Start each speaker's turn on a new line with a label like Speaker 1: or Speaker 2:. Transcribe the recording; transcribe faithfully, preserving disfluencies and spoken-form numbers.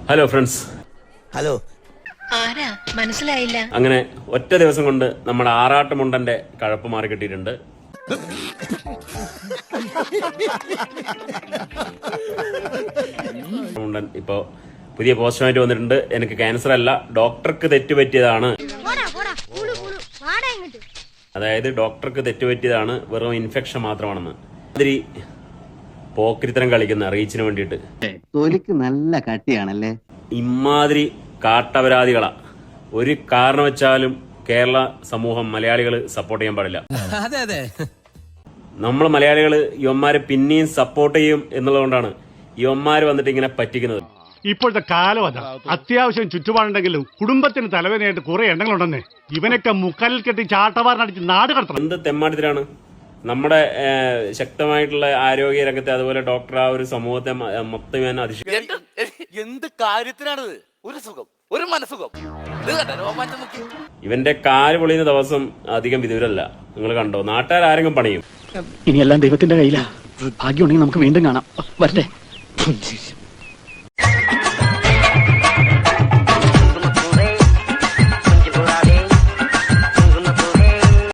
Speaker 1: Hello friends.
Speaker 2: Hello.
Speaker 3: ആരാ മനസ്സിലായില്ല.
Speaker 1: അങ്ങനെ ഒറ്റ ദിവസം കൊണ്ട് നമ്മുടെ ആറാട്ടുമുണ്ടന്റെ കഴപ്പ് മാറി കിട്ടിയിട്ടുണ്ട്. മുണ്ടൻ ഇപ്പോ പുതിയ പോസ്റ്റുമായിട്ട് വന്നിട്ടുണ്ട്. എനിക്ക് ക്യാൻസർ അല്ല, ഡോക്ടർക്ക് തെറ്റുപറ്റിയതാണ്. അതായത് ഡോക്ടർക്ക് തെറ്റുപറ്റിയതാണ്, വെറും ഇൻഫെക്ഷൻ മാത്രമാണെന്ന്. അതിരി പോക്കരിത്തരം കളിക്കുന്ന റീച്ചിന് വേണ്ടിയിട്ട്.
Speaker 4: തൊലിക്ക് നല്ല കട്ടിയാണല്ലേ.
Speaker 1: ഇമാതിരി കാട്ടപരാധികളാ ഒരു കാരണം വെച്ചാലും കേരള സമൂഹം മലയാളികൾ സപ്പോർട്ട് ചെയ്യാൻ പാടില്ല.
Speaker 2: അതെ അതെ,
Speaker 1: നമ്മൾ മലയാളികൾ യുവന്മാരെ പിന്നെയും സപ്പോർട്ട് ചെയ്യും എന്നുള്ളതുകൊണ്ടാണ് യുവന്മാര് വന്നിട്ട് ഇങ്ങനെ പറ്റിക്കുന്നത്.
Speaker 5: ഇപ്പോഴത്തെ കാലം അതാ. അത്യാവശ്യം ചുറ്റുപാടുണ്ടെങ്കിലും കുടുംബത്തിന് തലവേദനയായിട്ട് കുറെ എണ്ണങ്ങളുണ്ടെന്നേ. ഇവനൊക്കെ മുക്കാലിൽ കെട്ടി ചാട്ടവാറിനടിച്ച് നാട് കടത്തണം.
Speaker 1: എന്ത് തെമ്മാടിത്തരാണ്. നമ്മുടെ ശക്തമായിട്ടുള്ള ആരോഗ്യ രംഗത്തെ അതുപോലെ ഡോക്ടർ ആ ഒരു സമൂഹത്തെ മൊത്തം ഞാൻ അതിശയിക്കും.
Speaker 6: എന്ത് കാര്യത്തിനാണിത്? ഒരു സുഖം, ഒരു മനസുഖം.
Speaker 1: ഇവന്റെ കാല് പൊളിയുന്ന ദിവസം അധികം വിദൂരല്ല. നിങ്ങൾ കണ്ടോ? നാട്ടുകാർ ആരെങ്കിലും പണിയും.
Speaker 7: ഇനിയെല്ലാം ദൈവത്തിന്റെ കയ്യിലാ. ഭാഗ്യമുണ്ടെങ്കിൽ നമുക്ക് വീണ്ടും കാണാം. വരട്ടെ.